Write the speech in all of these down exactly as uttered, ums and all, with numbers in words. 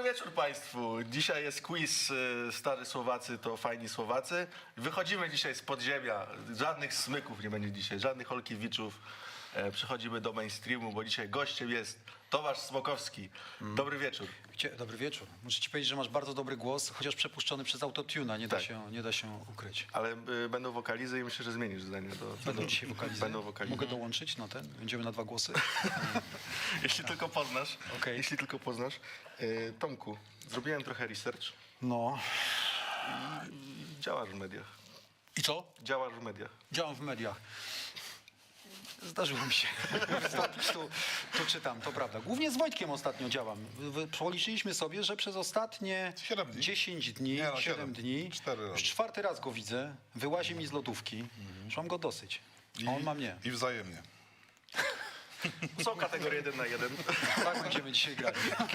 wieczór Państwu. Dzisiaj jest quiz y, Stary Słowacy to fajni Słowacy. Wychodzimy dzisiaj z podziemia. Żadnych smyków nie będzie dzisiaj, żadnych Olkiewiczów. E, Przechodzimy do mainstreamu, bo dzisiaj gościem jest Tomasz Smokowski. Dobry wieczór. Cie- Dobry wieczór. Muszę ci powiedzieć, że masz bardzo dobry głos, chociaż przepuszczony przez autotuna, nie da, Tak. się, nie da się ukryć. Ale y, będą wokalizy i myślę, że zmienisz zdanie. Do, Będą do, dzisiaj wokalizy. Będą wokalizy. Mogę dołączyć na ten? Będziemy na dwa głosy? Jeśli tylko poznasz. Okej. Jeśli tylko poznasz. Y, Tomku, zrobiłem trochę research. No. I działasz w mediach. I co? Działasz w mediach. Działam w mediach. Zdarzyło mi się. tu, tu czytam, to prawda. Głównie z Wojtkiem ostatnio działam. Wy- Policzyliśmy sobie, że przez ostatnie Siedem dni. dziesięć dni, Nie, no, siedem siedem. dni, Cztery razy. już czwarty raz go widzę, wyłazi mi z lodówki, że mam go dosyć. A on ma mnie. I wzajemnie. Są kategorie jeden na jeden. Tak będziemy dzisiaj grali.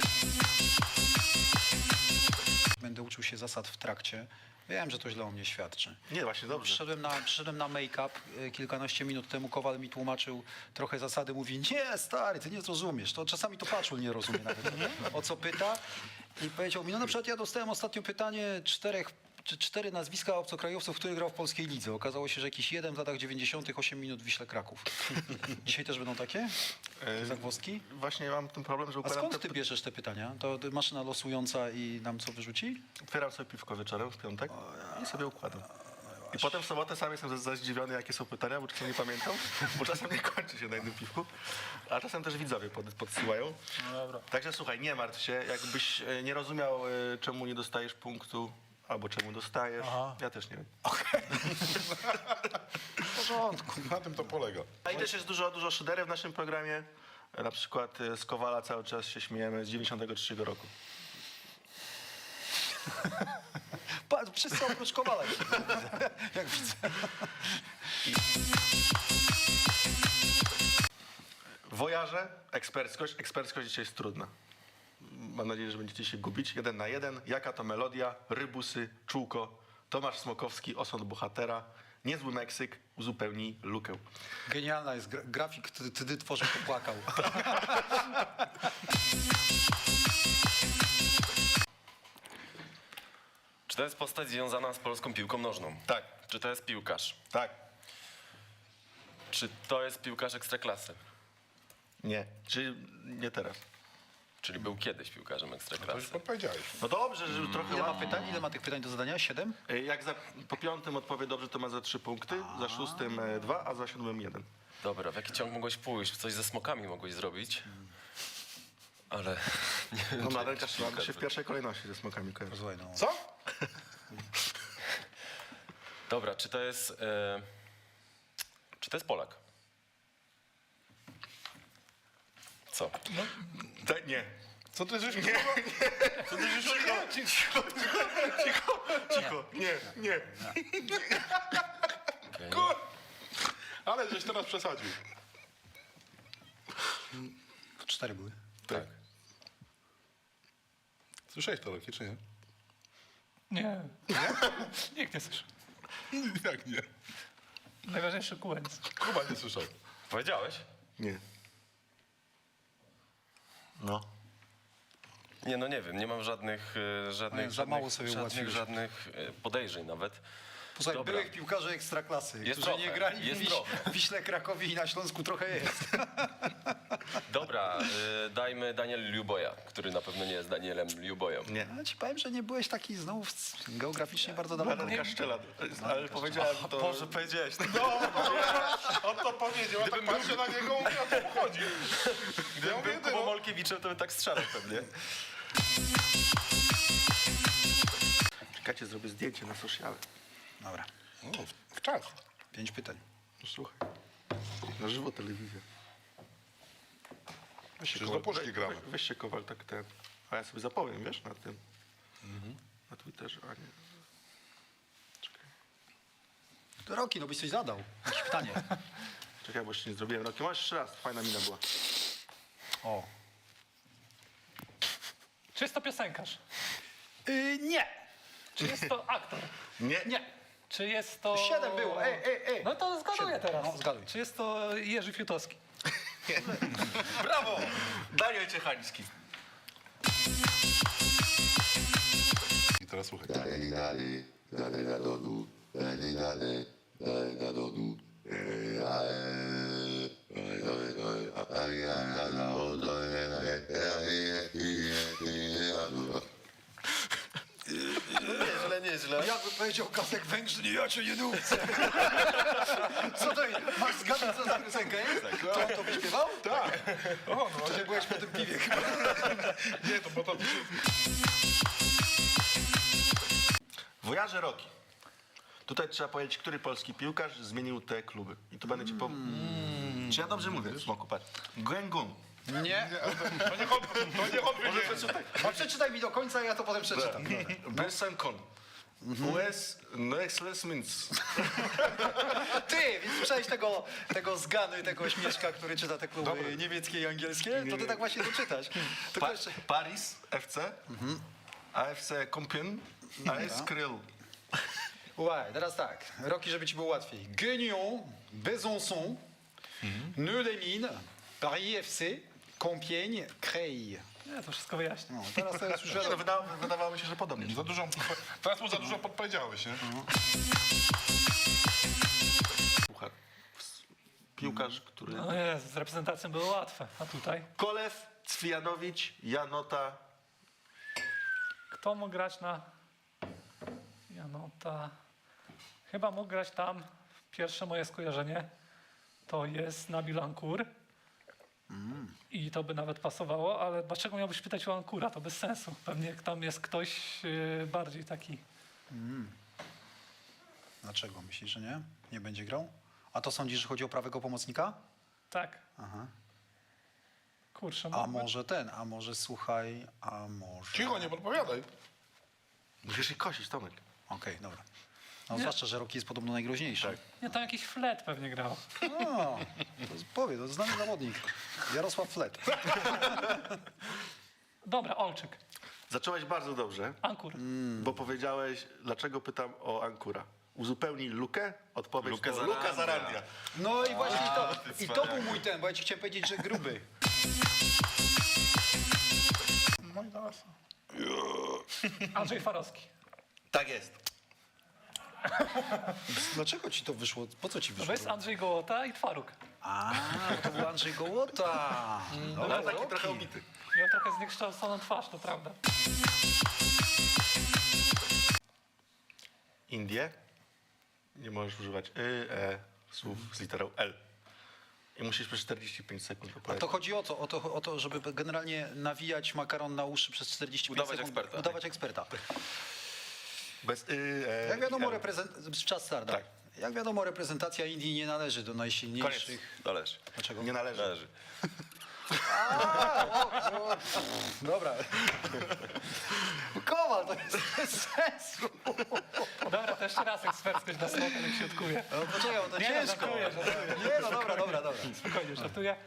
Będę uczył się zasad w trakcie. Wiem, że to źle o mnie świadczy. Nie, właśnie dobrze. Przyszedłem na, przyszedłem na make-up y, kilkanaście minut temu, Kowal mi tłumaczył trochę zasady, mówi, nie stary, ty nie zrozumiesz, to czasami to patrzul nie rozumie nawet, o co pyta. I powiedział mi, no na przykład ja dostałem ostatnio pytanie czterech, czy cztery nazwiska obcokrajowców, który grał w polskiej lidze. Okazało się, że jakiś jeden w latach dziewięćdziesiątych osiem minut w Wiśle Kraków. Dzisiaj też będą takie zagwozdki? Właśnie mam ten problem, że A układam skąd te... ty bierzesz te pytania? To ty maszyna losująca i nam co wyrzuci? Otwieram sobie piwko wieczorem w piątek i sobie układam. I potem w sobotę sam jestem za- zdziwiony, jakie są pytania, bo czasem nie pamiętam, bo czasem nie kończy się na jednym piwku, a czasem też widzowie pod, podsyłają. Także słuchaj, nie martw się, jakbyś e, nie rozumiał, e, czemu nie dostajesz punktu, albo czemu dostajesz, ja też nie wiem. W porządku. Na tym to polega. A i też jest dużo, dużo szydery w naszym programie, E, na przykład e, z Kowala cały czas się śmiejemy z dziewięćdziesiątego trzeciego roku. Pa- Wszyscy oprócz Kowala. Jak widzę. Wojarze, eksperckość. Eksperckość dzisiaj jest trudna. Mam nadzieję, że będziecie się gubić. Jeden na jeden. Jaka to melodia? Rybusy, czółko. Tomasz Smokowski, osąd bohatera. Niezły Meksyk, uzupełnij lukę. Genialna jest gra- grafik, który wtedy tworzył, popłakał. Czy to jest postać związana z polską piłką nożną? Tak, Czy to jest piłkarz? tak, Czy to jest piłkarz ekstraklasy? nie. Czy nie teraz? Czyli był kiedyś piłkarzem To już ekstraklasy? podpowiedziałeś. No dobrze, że trochę Ile ma łatwiej. pytań? Ile ma tych pytań do zadania? Siedem? E, Jak za, po piątym odpowie dobrze, to ma za trzy punkty, za szóstym e, dwa, a za siódmym jeden. Dobra, w jaki ciąg mogłeś pójść? Coś ze smokami mogłeś zrobić? Ale nie wiem, No czy Marek jakiś Kaszlan piłkarz się w był. pierwszej kolejności ze smokami kojarzy. Słuchaj, no. Co? Dobra, czy to jest... E... Czy to jest Polak? Co? Tak, nie. Co ty żeś... Nie, Co ty żeś cicho, cicho, cicho, cicho, nie, nie. Okay. Kur... Ale żeś teraz przesadził. Cztery były. Tak. Słyszałeś to, Loki, czy nie? Nie. Nikt nie słyszy. Jak nie? Najważniejszy kółec. Kuba nie słyszał. Powiedziałeś? Nie. No. Nie, no nie wiem, nie mam żadnych, e, żadnych, Nie, za mało żadnych, sobie żadnych, ułatwiłeś. żadnych e, podejrzeń nawet. Posłuchaj, Dobra. byłych piłkarzy ekstraklasy, Jest którzy trochę, nie grali jest w Wiś- trochę. w Wiśle Krakowie i na Śląsku trochę jest. Dobra, e, dajmy Daniel Liuboja, który na pewno nie jest Danielem Liubojem. Nie. Ale ci powiem, że nie byłeś taki znowu z- geograficznie bardzo daleko. Marek Kaszczela, ale powiedziałem to... Boże, powiedziałeś. No, on to powiedział, a tak patrzę na niego, mówię, o co chodzi. Gdybym był jedyną. Kubą Olkiewiczem, to by tak strzelał pewnie. Czekajcie, zrobię zdjęcie na sociale. Dobra, No, w, w czas. pięć pytań. No słuchaj. Na żywo telewizja. Weź się Przecież do Polski gramy. Weź, weź się Kowal tak ten... A ja sobie zapowiem, wiesz, na tym. Na Twitterze, a nie... Czekaj. To Roki, no byś coś zadał. Jakieś pytanie. Czekaj, bo jeszcze nie zrobiłem. Roki, masz jeszcze raz. Fajna mina była. O. Czy jest to piosenkarz? Yy, nie! Czy jest to aktor? Nie. Nie. Czy jest to... Siedem było, ej, ej, ej. No to zgaduję Siedem. teraz. No, zgaduj. Czy jest to Jerzy Fiutowski? Brawo! Daniel Ciechański. teraz słuchaj. Dalej, dalej, dalej na dodu, dalej, dalej, dalej na dodu. Nieźle, nieźle. Jakby powiedział Kasek Węgrzyn, ja cię nie nudzę. Co to jest? Masz zgadnąć, co za piosenka jest? To on to wyśpiewał? Tak. O, no, Że byłeś po tym piwie chyba. nie, to bo to... Wojaże Roki. Tutaj trzeba powiedzieć, który polski piłkarz zmienił te kluby. I tu będę ci po... Czy ja dobrze mówię? Smoku, patrz. Gwengun. Nie. To niech on, to niech on wymieni. A przeczytaj mi do końca, ja to potem przeczytam. Bersankon. Wes Nexlesmins. Ty, więc słyszałeś tego, tego zgany, tego śmieszka, który czyta te kluby niemieckie i angielskie? To ty tak właśnie to czytasz. Tylko Pa jeszcze... Paris F C. A F C Compiègne. A S Kryl. Uwaga, teraz tak. Roki, żeby ci było łatwiej. Guignon, Besançon, Nœux-les-Mines, Paris F C, Compiègne, Creil. Nie, to wszystko wyjaśnię. No, teraz to jest już No, wiadomo. wydawało, wydawało mi się, że podobnie. Za dużo, teraz mu za dużo podpowiedziałeś, nie? Puchar. Piłkarz, który... No jest, z reprezentacją było łatwe. A tutaj? Kolew, Cwijanowicz, Janota. Kto mógł grać na... Janota... Chyba mógł grać tam. Pierwsze moje skojarzenie to jest Nabil Ankur. I to by nawet pasowało, ale dlaczego miałbyś pytać o Ankura? To bez sensu. Pewnie tam jest ktoś yy, bardziej taki... Dlaczego? Myślisz, że nie? Nie będzie grał? A to sądzisz, że chodzi o prawego pomocnika? Tak. Aha. Kurczę, A mógłby- może ten, a może słuchaj, a może... Cicho, nie podpowiadaj. Musisz ich kosić, Tomek. Okej, dobra. No zwłaszcza, że Roki jest podobno najgroźniejszy. Tak. Nie, tam jakiś flet pewnie grał. O, to powie, to znany zawodnik. Jarosław Flet. Dobra, Olczyk. Zacząłeś bardzo dobrze, Ankur. bo powiedziałeś, dlaczego pytam o Ankura. Uzupełnij lukę, odpowiedź Luka to Zarandia. Luka Zarandia. No i właśnie to, i to był mój ten, bo ja ci chciałem powiedzieć, że gruby. No i teraz. Andrzej Farowski. Tak jest. Dlaczego ci to wyszło? Po co ci No wyszło? to jest Andrzej Gołota i Twaruk. A, to był Andrzej Gołota. No, Dobra, taki Roki. trochę obity. Miał trochę zniekształconą twarz, to prawda. Indie. Nie możesz używać y, e, słów z literą L. I musisz przez czterdzieści pięć sekund A opowiedzieć. to chodzi o to, o to, o to, żeby generalnie nawijać makaron na uszy przez czterdzieści pięć Udawać sekund. eksperta. Udawać eksperta. Bez y, e, Jak wiadomo, i L. reprezent... czas start. Tak. Jak wiadomo, reprezentacja Indii nie należy do najsilniejszych. Należy. Dlaczego? Nie należy. Należy. Dobra. Kowal, to jest bez sensu. Dobra, to jeszcze raz eksperckość na smoka, jak się odkuje. No poczekaj, bo to Nie, ciężko. żartuję, żartuję. Nie, no dobra, dobra, dobra. Spokojnie, żartuję.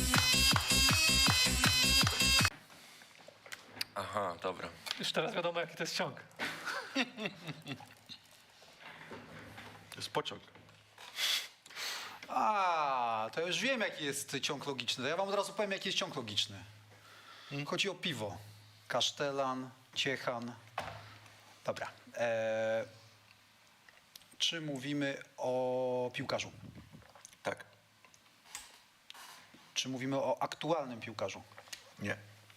Aha, dobra. Już teraz wiadomo, jaki to jest ciąg. To jest pociąg. A, to już wiem, jaki jest ciąg logiczny. To ja wam od razu powiem, jaki jest ciąg logiczny. Chodzi o piwo. Kasztelan, Ciechan. Dobra. Eee, czy mówimy o piłkarzu? Tak. Czy mówimy o aktualnym piłkarzu? Nie.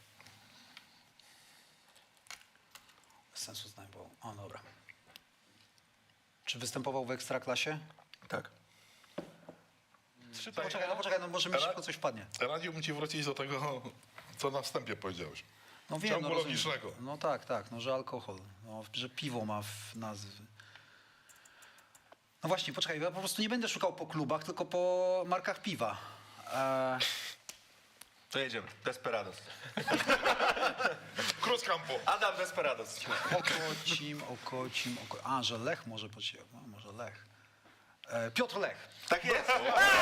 Bez sensu znam, bo... O, dobra. Czy występował w Ekstraklasie? Tak. Trzy Poczekaj, no poczekaj, no może mi szybko coś wpadnie. Radziłbym ci wrócić do tego, co na wstępie powiedziałeś. No wiem, Ciągu no rozumiem. logicznego. No tak, tak, no że alkohol, no, że piwo ma w nazwie. No właśnie, poczekaj, ja po prostu nie będę szukał po klubach, tylko po markach piwa. Eee, To jedziemy. Desperados. Cruz Campo. Adam Desperados. Okocim, Okocim, Oko... A, że Lech może być, no, może Lech. Eee, Piotr Lech. Tak jest.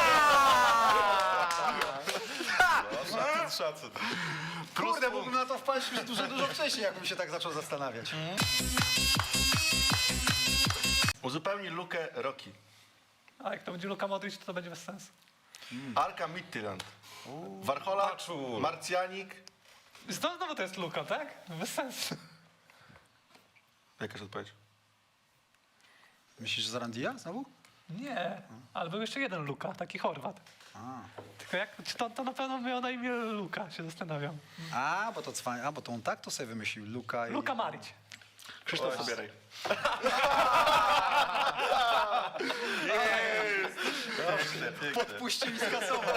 Szacun, szacun. Kurde, mógłbym na to wpaść już dużo, dużo wcześniej, jakbym się tak zaczął zastanawiać. Uzupełnij lukę Roki. A jak to będzie Luka Modric, to to będzie bez sensu. Arka Midtjylland. Warchola, Paczul. Marcjanik. Znowu znowu to jest Luka, tak? Bez sensu. Jaka jest odpowiedź? Myślisz, że Zarandia znowu? Nie, ale był jeszcze jeden Luka, taki Chorwat. Tylko jak, czy to, to na pewno miał na imię Luka, się zastanawiam. A, bo to cwań, a, bo to on tak to sobie wymyślił. Luka i... Luka Marić. Krzysztof Sobieraj. Podpuścił i skasował.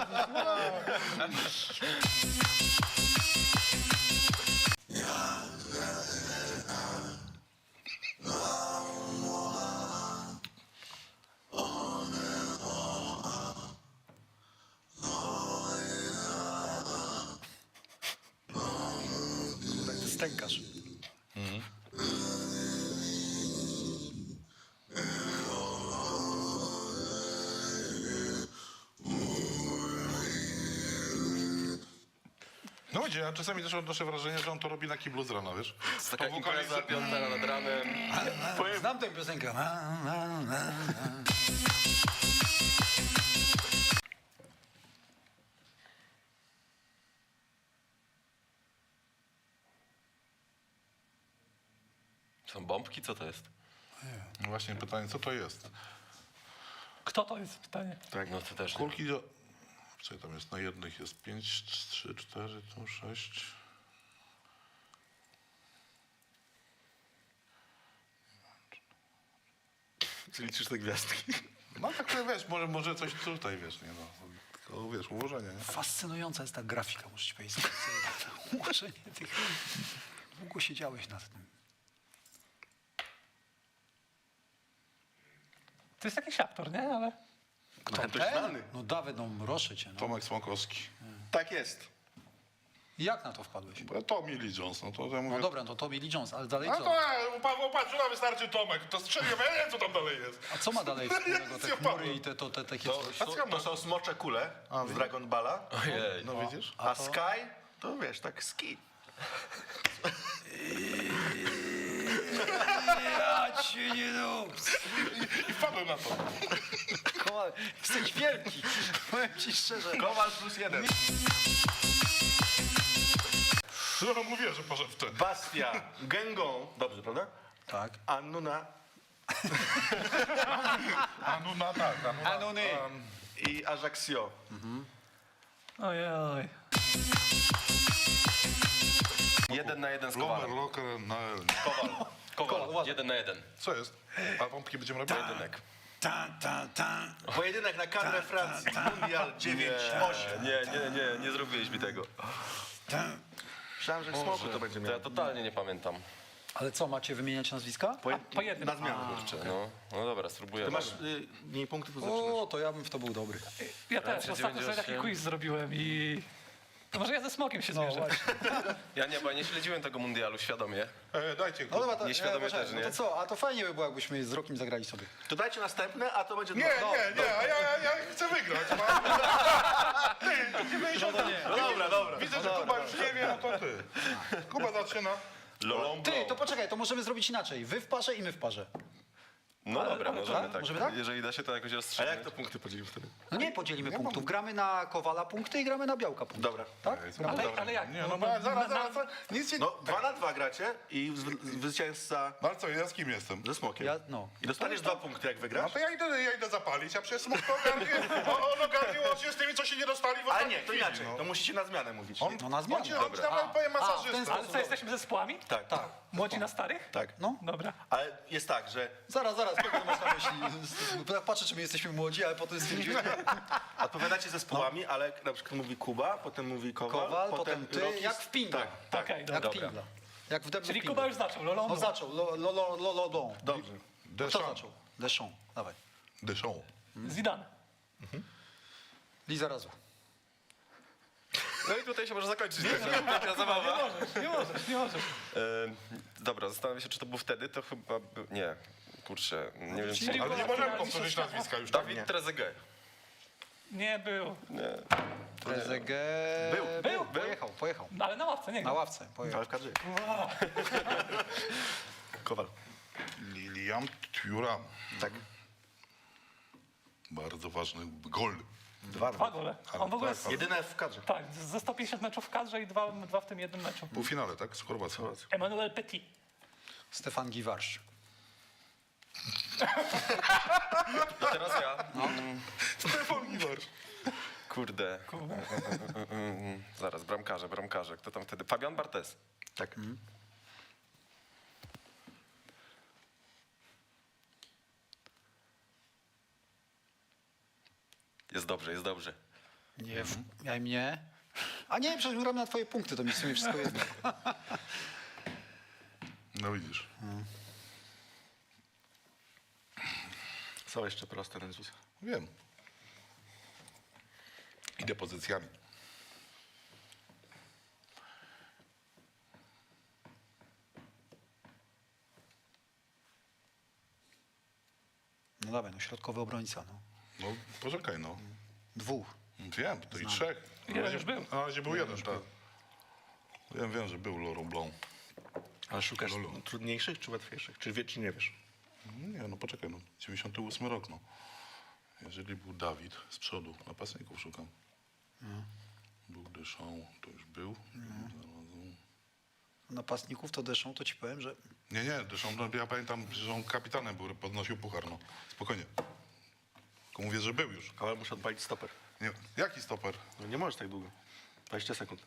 Tak ty stękasz. No wiecie, ja czasami też odnoszę wrażenie, że on to robi na kiblu z rana, wiesz? jest taka To wokalizy- impreza piąta nad ranem. Znam tę piosenkę. Na, na, na, na. Są bombki? Co to jest? No właśnie pytanie, co to jest? Kto to jest pytanie? Tak. No to też nie. Kulki do... Co tam jest? Na jednych jest pięć, trzy, cztery, tu sześć. Czy liczysz te gwiazdki? No tak, wiesz, może, może coś tutaj, wiesz, nie no. Tylko, wiesz, ułożenie, nie? Fascynująca jest ta grafika, muszę ci powiedzieć. Ułożenie tych... Długo siedziałeś nad tym. To jest jakiś aktor, nie? Ale Kto to jest znany? No Dawid, no proszę cię. No. Tomek Smokowski. Tak jest. Jak na to wpadłeś? Bo Tommy Lee Jones, no to ja mówię... No dobra, no to Billy Jones, ale dalej No co? to e, Paweł Paczula wystarczy Tomek, to strzeliłem, ja nie wiem co tam dalej jest. A co ma dalej wspólnego te Ja chmury wpadłem. i te, to, te takie To, coś? to, to są smocze kule z Dragon Balla. Ojej. No widzisz? A Sky, to wiesz, tak ski. Ja cię nie dam. I wpadłem na to. Kowal, jesteś wielki. Powiem ci szczerze. Kowal plus jeden. No mówię, że poszedł w ten. Bastia, Gengą. Dobrze, prawda? Tak. Annuna Anuna, tak. Anuna, Anuny. um, i Ajaxio. ojej. Jeden na jeden z Lomer, Kowalem. Locker, Nael. Kowal. Kowal. Jeden na jeden. Co jest? A pompki będziemy robić? Pojedynek. Ta, ta, ta. Pojedynek na kadrę Francji. Mundial dziewięć osiem. Nie, nie, nie, nie zrobiliśmy tego. Myślałem, że w smoku to będzie To ja miał. totalnie nie pamiętam. Ale co, macie wymieniać nazwiska? Poje- po jednym. Na zmianę. No, no dobra, Ty spróbujemy. masz y, mniej punktów, to zaczynasz. O, to ja bym w to był dobry. Ja też Francja ostatnio sobie taki dziewięćdziesiąt osiem. quiz zrobiłem i... To może ja ze smokiem się No zmierzę. właśnie. Ja nie, bo ja nie śledziłem tego mundialu świadomie. E, dajcie. No dobra, to, Nieświadomie poczekaj, też, no nie? to co, a to fajnie by było, jakbyśmy z Rokiem zagrali sobie. To dajcie następne, a to będzie... Nie, dwa. nie, nie, a ja, ja, ja chcę wygrać. Mam... Ty, dziewięćdziesiąt... No dobra, dobra. Widzę, że Kuba już nie wie, no to ty. Kuba zaczyna. Lolombro. Ty, to poczekaj, to możemy zrobić inaczej. Wy w parze i my w parze. No dobra, możemy tak? tak. Możemy tak? Jeżeli da się, to jakoś A rozstrzygnąć. jak to punkty podzielimy wtedy? No nie podzielimy punktów. Gramy na Kowala punkty i gramy na Białka punkty. Dobra. Tak? Ale, ale jak? Nie, no zaraz, zaraz, zaraz. zaraz. Nic się... No, dwa na dwa gracie i zwy- zwycięzca No ale co, ja z kim jestem? ze smokiem. Ja, no. I dostaniesz dwa punkty, jak No wygrasz. to ja idę, ja idę zapalić, a przecież smok to ogarnił, on ogarnił się z tymi, co się nie dostali w Ale ostatniej nie, to chwili, inaczej. no. To musicie na zmianę mówić. On, No na zmianę. On ci, on ci tam powiem A, w ten masażysta. sposób. Ale co, jesteśmy zespołami? Tak, tak. Młodzi na starych? Tak. No. Dobra. Ale jest tak, że Zaraz, zaraz, kogo masz na myśli? Tak patrzę, czy my jesteśmy młodzi, ale potem stwierdziłem... odpowiadacie zespołami, ale na przykład mówi Kuba, potem mówi Kowal, Kowal, potem ty, Rocky. jak w pingla. Tak, tak. Okej, Jak dobra. w pingla. Jak w deblu Czyli pingla. Kuba już zaczął, Lolo. No zaczął. Lo, lo, lo, lo, lo, lo. Dobrze. Kto Deschamps. zaczął? Deschamps. Dawaj. Deschamps. Zidane. Liza Razu. No i tutaj się może zakończyć taka zabawa. Nie możesz, nie możesz. E, dobra, zastanawiam się, czy to był wtedy, to chyba... By... Nie, kurczę, nie wiem. Czyli- Czy... Ale nie możemy powtórzyć nazwiska już, tak? Dawid Trezeguet. Nie był. Trezeguet... Był, był, był. Pojechał, pojechał. No, ale na ławce, nie Na grał. ławce pojechał. Ale w kadrze. Kowal. Lilian Thuram. Tak. Bardzo ważny gol. Dwa, Dwa gole. On w ogóle... tak, Jedyne w kadrze. Tak, ze sto pięćdziesiąt meczów w kadrze i dwa, dwa w tym jednym meczu. Półfinale, tak? Z Chorwacją. Emmanuel Petit. Stefan Giwarsz. I teraz ja. Stefan Giwarz. Kurde. Mm, Zaraz, bramkarze, bramkarze. Kto tam wtedy? Fabian Barthez. Tak. Jest dobrze, jest dobrze. Nie, w... ja mnie. A nie, przecież gram na twoje punkty, to mi w sumie wszystko jedno. No widzisz. Są jeszcze proste nazwiska. Wiem. Idę pozycjami. No dawaj, no środkowy obrońca, no. No poczekaj, no. Dwóch. Wiem, to i trzech. Jeden już był. Na razie był jeden, tak. Wiem, wiem, że był Laurent Blanc. Ale szukasz Lulu. trudniejszych czy łatwiejszych? Czy wie, czy nie wiesz? Nie, no poczekaj, no. dziewięćdziesiąty ósmy rok, no. Jeżeli był Dawid z przodu, napastników szukam. Był Deschamps, to już był. Zaraz. Napastników to deszą, to ci powiem, że Nie, nie, Deschamps, no, ja pamiętam, że on kapitanem był, podnosił puchar, no. Spokojnie. Tylko mówię, że był już. Ale muszę odpalić stoper. Nie, jaki stoper? No nie możesz tak długo. dwadzieścia sekund.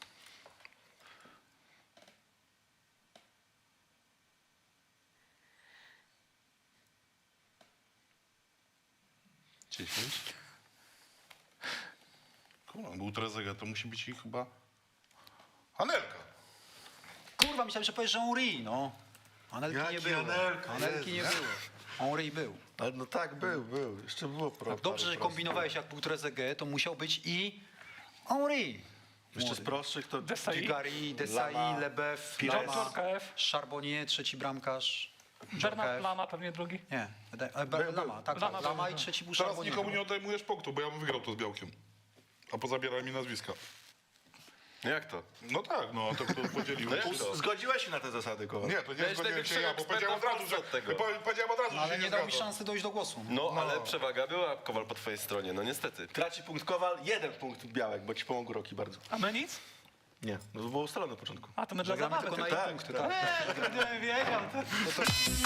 dziesięć. Kurwa, był Trezeguet, to musi być ich chyba... Anelka. kurwa, myślałem, że powiesz, że Henri, no. Anelki Jaki nie było. Anelka? Anelki nie Jezu. było. Henri był. Ale no tak, był, był. Jeszcze było pro. Tak, dobrze, parę że prostych. kombinowałeś, jak był Trezeguet, to musiał być i Henri. Jeszcze z prostszych to... Desai, Dugarry, Desai, Lama, Leboeuf, Pires. Lama, Dżorkaeff, Charbonnier, trzeci bramkarz. Bernard Dżorkaeff. Lama pewnie drugi. Nie, wydaje- e, Ber- Był, Lama, tak, Lama tak, Lama był, i był. trzeci był Teraz Charbonnier. nikomu nie odejmujesz punktu, bo ja bym wygrał to z Białkiem. A pozabieraj mi nazwiska. Jak to? No tak, no, a to kto podzielił? No jak to? Zgodziłeś się na te zasady, Kowal? Nie, to nie Miałeś zgodziłem się największego ja, bo powiedziałem od razu, eksperta że... w Polsce od tego. po- Powiedziałem od razu, No, że ale się nie dał mi zgadzam. szansy dojść do głosu. No, ale przewaga była Kowal po twojej stronie, no niestety. Traci punkt Kowal, jeden punkt Białek, bo ci pomogł Roki bardzo. A my nic? Nie, no to było ustalone na początku. A to my dla Gramy zabawy. tylko na tylko. jej punkty, tak. Nie, wiedział. to-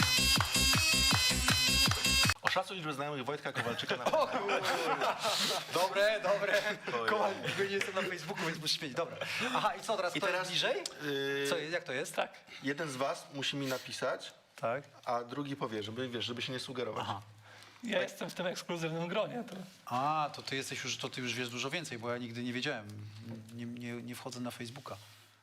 Oszacuj liczbę znajomych Wojtka Kowalczyka na... Dobre, dobre. Oj. Kowal, nie jestem na Facebooku, więc muszę mieć. Dobra. Aha, i co teraz? I Kto teraz, jest bliżej? Yy, Co jest, jak to jest? Tak. jeden z was musi mi napisać, Tak. a drugi powie, żeby, wiesz, żeby się nie sugerować. Aha. Ja jestem w tym ekskluzywnym gronie. To... A, to ty jesteś już, to ty już wiesz dużo więcej, bo ja nigdy nie wiedziałem. Nie, nie, nie wchodzę na Facebooka.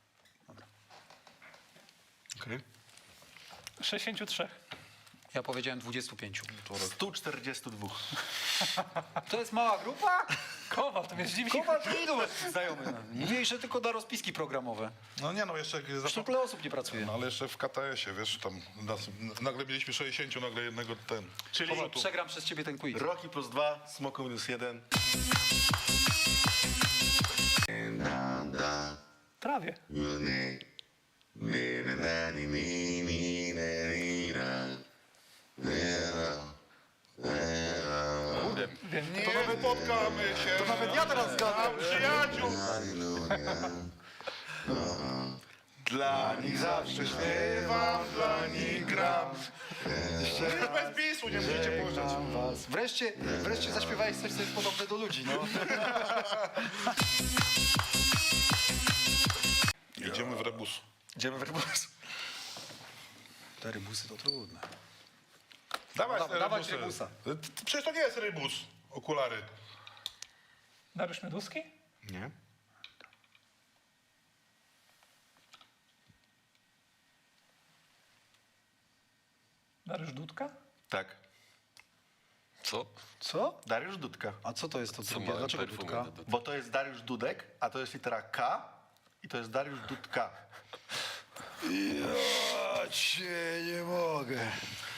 Okay. sześćdziesiąt trzy. Ja powiedziałem dwadzieścia pięć. sto czterdzieści dwa. To jest mała grupa? Kowal, to mnie zdziwi. Kowal to ilu znajomy. Mniejsze tylko na rozpiski programowe. No nie, no jeszcze... jak Już Zapom... tyle osób nie pracuje. No ale jeszcze w K T S-ie, wiesz, tam nas, nagle mieliśmy sześćdziesiąt, nagle jednego ten... Czyli Kowal, przegram przez ciebie ten quiz. Roki plus dwa, Smoko minus jeden. down, down, Prawie. running, ni, ni, ni, ni, ni, ni, Wiem. To nawet spotkamy się. To nawet ja teraz zgadzam. Przyjaciół. Dla nich zawsze Śpiewam, dla nich gram. Już bez bisu nie musicie puszczać. Wreszcie, wreszcie zaśpiewałeś coś, co jest podobne do ludzi, no. Idziemy w rebus. Idziemy w rebus. Te rybusy to trudne. Dawaj, Dawaj, te dawać rebusy. rebusa. T- t- Przecież to nie jest rybus. Okulary. Dariusz Mioduski? Nie. Dariusz Dudka? Tak. Co? Co? Dariusz Dudka. A co to jest to Co drugie? ma Dlaczego perfumy Dudka? do dupy? Bo to jest Dariusz Dudek, a to jest litera K i to jest Dariusz Dudka. Ja cię nie mogę.